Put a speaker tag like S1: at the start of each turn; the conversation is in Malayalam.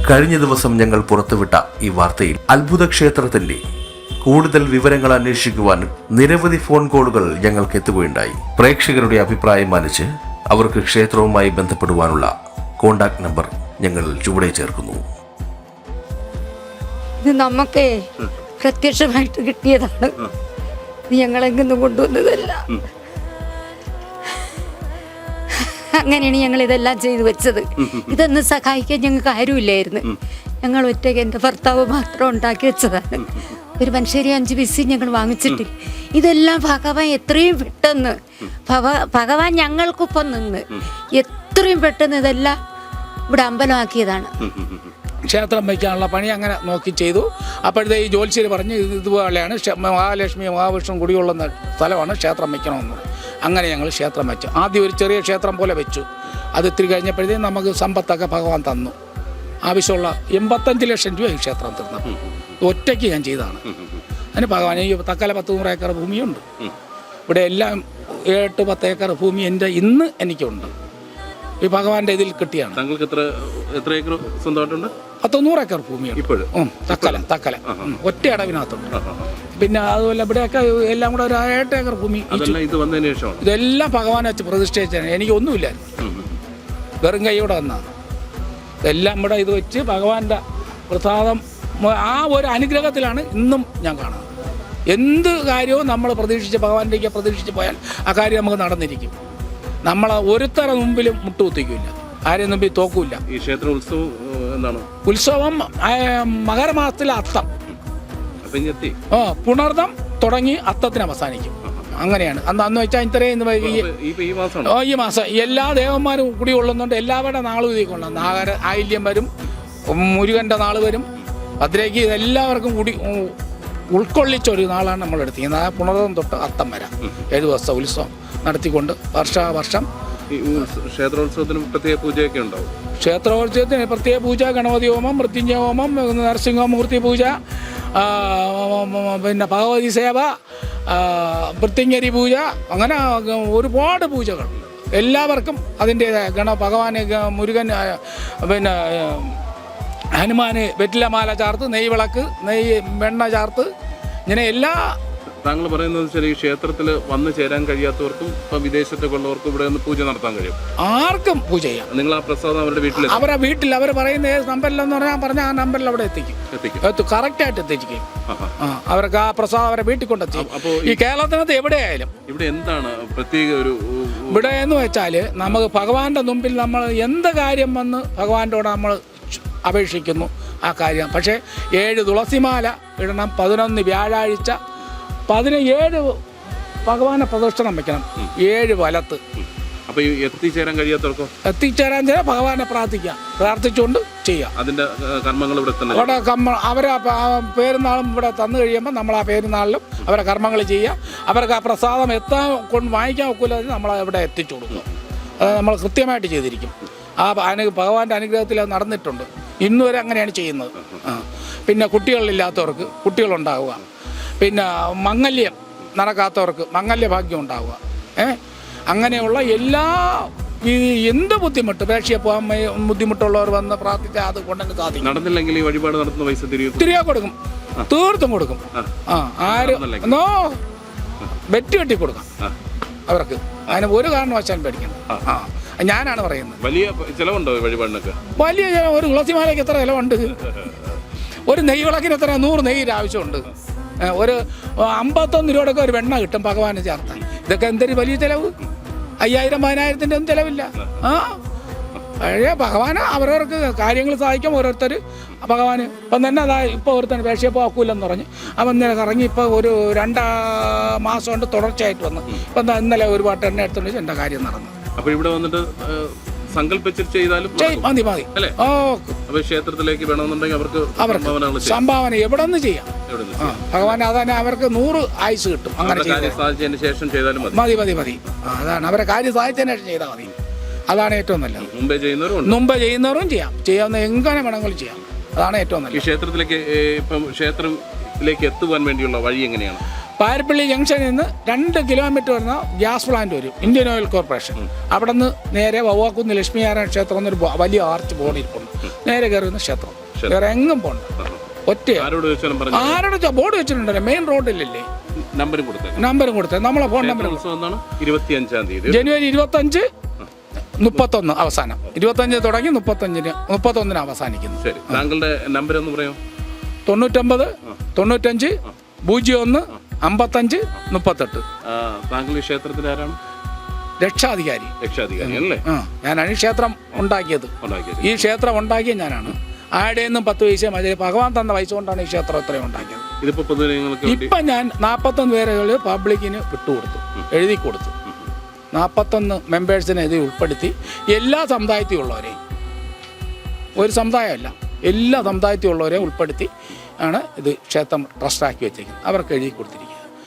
S1: കഴിഞ്ഞ ദിവസം ഞങ്ങൾ പുറത്തുവിട്ട ഈ വാർത്തയിൽ അത്ഭുത ക്ഷേത്രത്തിന്റെ കൂടുതൽ വിവരങ്ങൾ അന്വേഷിക്കുവാൻ നിരവധി ഫോൺ കോളുകൾ ഞങ്ങൾക്ക് എത്തുകയുണ്ടായി. പ്രേക്ഷകരുടെ അഭിപ്രായം മാനിച്ച് അവർക്ക് ക്ഷേത്രവുമായി ബന്ധപ്പെടുവാനുള്ള കോണ്ടാക്ട് നമ്പർ ഞങ്ങൾ ചുവടെ ചേർക്കുന്നു.
S2: ഇത് നമുക്ക് പ്രത്യക്ഷമായിട്ട് കിട്ടിയതാണ്. ഞങ്ങളെങ്ങും കൊണ്ടുവന്നതല്ല. അങ്ങനെയാണ് ഞങ്ങൾ ഇതെല്ലാം ചെയ്തു വെച്ചത്. ഇതൊന്ന് സഹായിക്കാൻ ഞങ്ങൾക്ക് ആരുമില്ലായിരുന്നു. ഞങ്ങൾ ഒറ്റയ്ക്ക് എൻ്റെ ഭർത്താവ് മാത്രം ഉണ്ടാക്കി വെച്ചതാണ്. ഒരു മനുഷ്യരെ 5 പൈസ ഞങ്ങൾ വാങ്ങിച്ചിട്ടില്ല. ഇതെല്ലാം ഭഗവാൻ എത്രയും പെട്ടെന്ന് ഭഗവാൻ ഞങ്ങൾക്കൊപ്പം നിന്ന് എത്രയും പെട്ടെന്ന് ഇതെല്ലാം ഇവിടെ അമ്പലമാക്കിയതാണ്.
S3: ക്ഷേത്രം വയ്ക്കാനുള്ള പണി അങ്ങനെ നോക്കി ചെയ്തു. അപ്പോഴത്തെ ഈ ജ്യോത്സ്യർ പറഞ്ഞ് ഇതുപോലെയാണ് മഹാലക്ഷ്മി മഹാവിഷ്ണു കുടികൊള്ളുന്ന സ്ഥലമാണ്, ക്ഷേത്രം വയ്ക്കണമെന്ന്. അങ്ങനെ ഞങ്ങൾ ക്ഷേത്രം വെച്ചു. ആദ്യം ഒരു ചെറിയ ക്ഷേത്രം പോലെ വെച്ചു. അത് ഇത്തിരി കഴിഞ്ഞപ്പോഴത്തേക്കും നമുക്ക് സമ്പത്തൊക്കെ ഭഗവാൻ തന്നു. ആവശ്യമുള്ള 85 ലക്ഷം രൂപ ഈ ക്ഷേത്രം തീർന്നപ്പോൾ ഒറ്റയ്ക്ക് ഞാൻ ചെയ്തതാണ്. അതിന് ഭഗവാൻ ഈ തക്കല 10-100 ഏക്കർ ഭൂമിയുണ്ട്. ഇവിടെ എല്ലാം 8-10 ഏക്കർ ഭൂമി ഇന്ന് എനിക്കുണ്ട്. ഈ ഭഗവാന്റെ ഇതിൽ കിട്ടിയാണ്.
S4: താങ്കൾക്ക് എത്ര ഏക്കർ സ്വന്തമായിട്ടുണ്ട്?
S3: 10-100 ഏക്കർ ഭൂമിയാണ്. തക്കല ഒറ്റ അടവിനകത്തുണ്ട്. പിന്നെ അതുപോലെ ഇവിടെയൊക്കെ എല്ലാം കൂടെ ഒരു 8 ഏക്കർ ഭൂമി. ഇതെല്ലാം ഭഗവാനെ വെച്ച് പ്രതിഷ്ഠിച്ചാണ്. എനിക്കൊന്നുമില്ലായിരുന്നു, വെറും കൈയോടെ വന്നാണ്. ഇതെല്ലാം ഇവിടെ ഇത് വെച്ച് ഭഗവാന്റെ പ്രസാദം, ആ ഒരു അനുഗ്രഹത്തിലാണ് ഇന്നും ഞാൻ കാണുന്നത്. എന്ത് കാര്യവും നമ്മൾ ഭഗവാനിലേക്ക് പ്രതീക്ഷിച്ച് പോയാൽ ആ കാര്യം നമുക്ക് നടന്നിരിക്കും. നമ്മളെ ഒരുത്തര മുമ്പിലും മുട്ടുകുത്തിക്കില്ല, ആരെയും മുമ്പിൽ തോക്കൂല.
S4: ഈ ക്ഷേത്ര ഉത്സവം എന്താണ്?
S3: ഉത്സവം മകരമാസത്തിലെ അത്തം, പുണർദം തുടങ്ങി അത്തത്തിന് അവസാനിക്കും. അങ്ങനെയാണ്. അന്ന് വെച്ചാൽ ഇത്രയും ഈ മാസം എല്ലാ ദേവന്മാരും കൂടി കൊള്ളുന്നുണ്ട്. എല്ലാവരുടെ നാളും ഇതിൽ കൊള്ളാം. ആയില്യം വരും, മുരുകൻ്റെ നാൾ വരും, ഭദ്രയ്ക്ക് ഇതെല്ലാവർക്കും കൂടി ഉൾക്കൊള്ളിച്ചൊരു നാളാണ് നമ്മൾ എടുത്തിരിക്കുന്നത്. ആ പുണർദം തൊട്ട് അത്തം വരാം 7 ദിവസത്തെ ഉത്സവം നടത്തിക്കൊണ്ട് വർഷം
S4: ക്ഷേത്രോത്സവത്തിന് പ്രത്യേക പൂജയൊക്കെ ഉണ്ടാവും.
S3: ക്ഷേത്രോത്സവത്തിന് പ്രത്യേക പൂജ, ഗണപതി ഹോമം, മൃത്യുഞ്ജയ ഹോമം, നരസിംഹമൂർത്തി പൂജ, പിന്നെ ഭഗവതി സേവ, മൃത്യുഞ്ജരി പൂജ, അങ്ങനെ ഒരുപാട് പൂജകൾ. എല്ലാവർക്കും അതിൻ്റേതായ ഭഗവാന് മുരുകൻ, പിന്നെ ഹനുമാന് വെറ്റിലമാല ചാർത്ത്, നെയ് വിളക്ക്, വെണ്ണ ചാർത്ത്, ഇങ്ങനെ എല്ലാ.
S4: താങ്കൾ പറയുന്നത് വെച്ചാൽ ഈ ക്ഷേത്രത്തിൽ വന്നു ചേരാൻ കഴിയാത്തവർക്കും ഇപ്പം വിദേശത്തൊക്കെ ഉള്ളവർക്കും ഇവിടെ ഒന്ന് പൂജ നടത്താൻ കഴിയും.
S3: ആർക്കും പൂജ ചെയ്യാം.
S4: നിങ്ങൾ ആ പ്രസാദം അവരുടെ വീട്ടിൽ
S3: അവർ പറയുന്ന ഏത് നമ്പറിലെന്ന് പറഞ്ഞ ആ നമ്പറിൽ അവിടെ എത്തിക്കും. കറക്റ്റായിട്ട് എത്തിക്കും. അവർക്ക് ആ പ്രസാദം അവരെ വീട്ടിൽ കൊണ്ടെത്തിക്കും. അപ്പോൾ ഈ കേരളത്തിനകത്ത് എവിടെയായാലും
S4: ഇവിടെ എന്താണ് പ്രത്യേക ഒരു
S3: ഇവിടെ എന്ന് വെച്ചാൽ നമുക്ക് ഭഗവാന്റെ മുമ്പിൽ നമ്മൾ എന്ത് കാര്യം വന്ന് ഭഗവാനോട് നമ്മൾ അപേക്ഷിക്കുന്നു ആ കാര്യം. പക്ഷേ 7 തുളസിമാല ഇടണം, 11 വ്യാഴാഴ്ച, 17 ഭഗവാനെ പ്രദക്ഷിണം വെക്കണം, 7 വലത്ത്.
S4: അപ്പോൾ എത്തിച്ചേരാൻ കഴിയാത്തവർക്കോ?
S3: എത്തിച്ചേരാൻ ഭഗവാനെ പ്രാർത്ഥിച്ചുകൊണ്ട് ചെയ്യാം.
S4: അതിൻ്റെ കർമ്മങ്ങൾ ഇവിടെ
S3: അവിടെ അവരെ പേരുന്നാളും ഇവിടെ തന്നു കഴിയുമ്പോൾ നമ്മൾ ആ പേരുന്നാളിലും അവരെ കർമ്മങ്ങൾ ചെയ്യുക. അവർക്ക് ആ പ്രസാദം വാങ്ങിക്കാൻ ഒക്കില്ല, നമ്മൾ ഇവിടെ എത്തിച്ചു കൊടുക്കും. അത് നമ്മൾ കൃത്യമായിട്ട് ചെയ്തിരിക്കും. ആ ഭഗവാന്റെ അനുഗ്രഹത്തിൽ അത് നടന്നിട്ടുണ്ട്. ഇന്നുവരെ അങ്ങനെയാണ് ചെയ്യുന്നത്. പിന്നെ കുട്ടികളില്ലാത്തവർക്ക് കുട്ടികളുണ്ടാവുക, പിന്നെ മംഗല്യം നടക്കാത്തവർക്ക് മംഗല്യഭാഗ്യം ഉണ്ടാവുക. അങ്ങനെയുള്ള എല്ലാ എന്ത് ബുദ്ധിമുട്ട് പേക്ഷിയെ പോകാൻ ബുദ്ധിമുട്ടുള്ളവർ വന്ന് പ്രാർത്ഥിച്ചാൽ അത് കൊണ്ടുതന്നെ സാധിക്കും.
S4: നടന്നില്ലെങ്കിൽ ഈ വഴിപാട് നടത്തുന്ന പൈസ തിരികെ കൊടുക്കും,
S3: തീർത്തും കൊടുക്കും. ബെറ്റ് കെട്ടി കൊടുക്കാം അവർക്ക്. അതിന് ഒരു കാരണവശാലും പേടിക്കണം. ഞാനാണ് പറയുന്നത്.
S4: വലിയ ചിലവുണ്ടോ വഴിപാടിനൊക്കെ?
S3: വലിയ ചിലവ്. ഒരു തുളസിമാലയ്ക്ക് എത്ര ചിലവുണ്ട്? ഒരു നെയ്യ് വിളക്കിന് എത്ര 100 നെയ്യിൻ്റെ ആവശ്യമുണ്ട്. ഒരു 51 രൂപയൊക്കെ ഒരു വെണ്ണ കിട്ടും ഭഗവാന് ചേർത്താൻ. ഇതൊക്കെ എന്തൊരു വലിയ ചിലവ്. 5000-10000-ൻ്റെ ഒന്നും ചിലവില്ല. പഴയ ഭഗവാന് അവരവർക്ക് കാര്യങ്ങൾ സഹായിക്കാം ഓരോരുത്തർ. ഭഗവാന് ഇപ്പം തന്നെ ഇപ്പോൾ ഒരുത്തന്നെ പേക്ഷിയെ പോക്കൂലെന്ന് പറഞ്ഞ് അവൻ ഇന്നലെ കറങ്ങി ഇപ്പോൾ ഒരു 2 മാസം കൊണ്ട് തുടർച്ചയായിട്ട് വന്നു. ഇപ്പം ഇന്നലെ ഒരു പാട്ട് എണ്ണ എടുത്തുകൊണ്ട് എൻ്റെ കാര്യം നടന്നു.
S4: അപ്പോൾ ഇവിടെ വന്നിട്ട് സങ്കല്പിച്ചിട്ട് ചെയ്താലും
S3: മതി.
S4: അപ്പോൾ ക്ഷേത്രത്തിലേക്ക് വേണമെന്നുണ്ടെങ്കിൽ അവർക്ക്
S3: സംഭാവന എവിടെ നിന്ന് ചെയ്യാം. ഭഗവാൻ അതന്നെ അവർക്ക് 100 ആയുസ് കിട്ടും. അങ്ങനെ
S4: സാധിച്ചതിന് ശേഷം ചെയ്താലും
S3: മതി. അതാണ് അവരെ കാര്യം സാധിച്ചതിന് ശേഷം ചെയ്താൽ മതി. അതാണ് ഏറ്റവും നല്ലത്.
S4: മുമ്പേ
S3: ചെയ്യുന്നവരും ചെയ്യാം. ചെയ്യാവുന്ന എങ്ങനെ വേണമെങ്കിലും ചെയ്യാം. അതാണ് ഏറ്റവും നല്ലത്.
S4: ക്ഷേത്രത്തിലേക്ക് എത്തുവാൻ വേണ്ടിയുള്ള വഴി എങ്ങനെയാണ്?
S3: പാരപ്പള്ളി ജംഗ്ഷനിൽ നിന്ന് 2 കിലോമീറ്റർ വരുന്ന ഗ്യാസ് പ്ലാന്റ് വരും, ഇന്ത്യൻ ഓയിൽ കോർപ്പറേഷൻ. അവിടെ നിന്ന് നേരെ വവ്വാക്കുന്ന് ലക്ഷ്മീനാരായണ ക്ഷേത്രം എന്നൊരു വലിയ ആർച്ച് ബോർഡ് ഇരിപ്പുണ്ട്. നേരെ കയറി വരുന്ന ക്ഷേത്രം. വേറെ എങ്ങും പോണ്ട. ഒറ്റ
S4: ആരോട് ചോദിച്ചാലും പറഞ്ഞു.
S3: ആരോട് ബോർഡ് വെച്ചിട്ടുണ്ടല്ലോ, മെയിൻ റോഡിലല്ലേ.
S4: നമ്പരും കൊടുത്തേ.
S3: നമ്പരും കൊടുത്തേ, നമ്മളെ ഫോൺ നമ്പർ.
S4: ഉത്സവം എന്നാണ് 25-ാം തീയതി,
S3: ജനുവരി 25, 31 അവസാനം. 25 തുടങ്ങി 31 അവസാനിക്കുന്നു.
S4: ശരി, താങ്കളുടെ നമ്പർ ഒന്ന് പറയോ?
S3: 99 95 01 55 38.
S4: താങ്കൾ ഈ ക്ഷേത്രത്തിൽ ആരാണ്?
S3: രക്ഷാധികാരി
S4: അല്ലേ?
S3: ഞാനാണ് ഈ ക്ഷേത്രം ഉണ്ടാക്കിയത്. ഈ ക്ഷേത്രം ഉണ്ടാക്കിയ ഞാനാണ്. ആരുടെ നിന്നും 10 പൈസ മതി, ഭഗവാൻ തന്ന പൈസ കൊണ്ടാണ് ഈ ക്ഷേത്രം ഇത്രയും ഉണ്ടാക്കിയത്.
S4: ഇതിപ്പോ പൊതുജനങ്ങൾക്ക്
S3: ഇപ്പം ഞാൻ 41 പേരുകൾ പബ്ലിക്കിന് വിട്ടുകൊടുത്തു, എഴുതി കൊടുത്തു. 41 മെമ്പേഴ്സിനെ ഇത് ഉൾപ്പെടുത്തി എല്ലാ സമുദായത്തിലും ഉള്ളവരെയും, ഒരു സമുദായമല്ല, എല്ലാ സമുദായത്തിലും ഉള്ളവരെയും ഉൾപ്പെടുത്തി ആണ് ഇത് ക്ഷേത്രം ട്രസ്റ്റാക്കി വെച്ചേക്കുന്നത്. അവർക്ക് എഴുതി കൊടുത്തിരിക്കുന്നത്.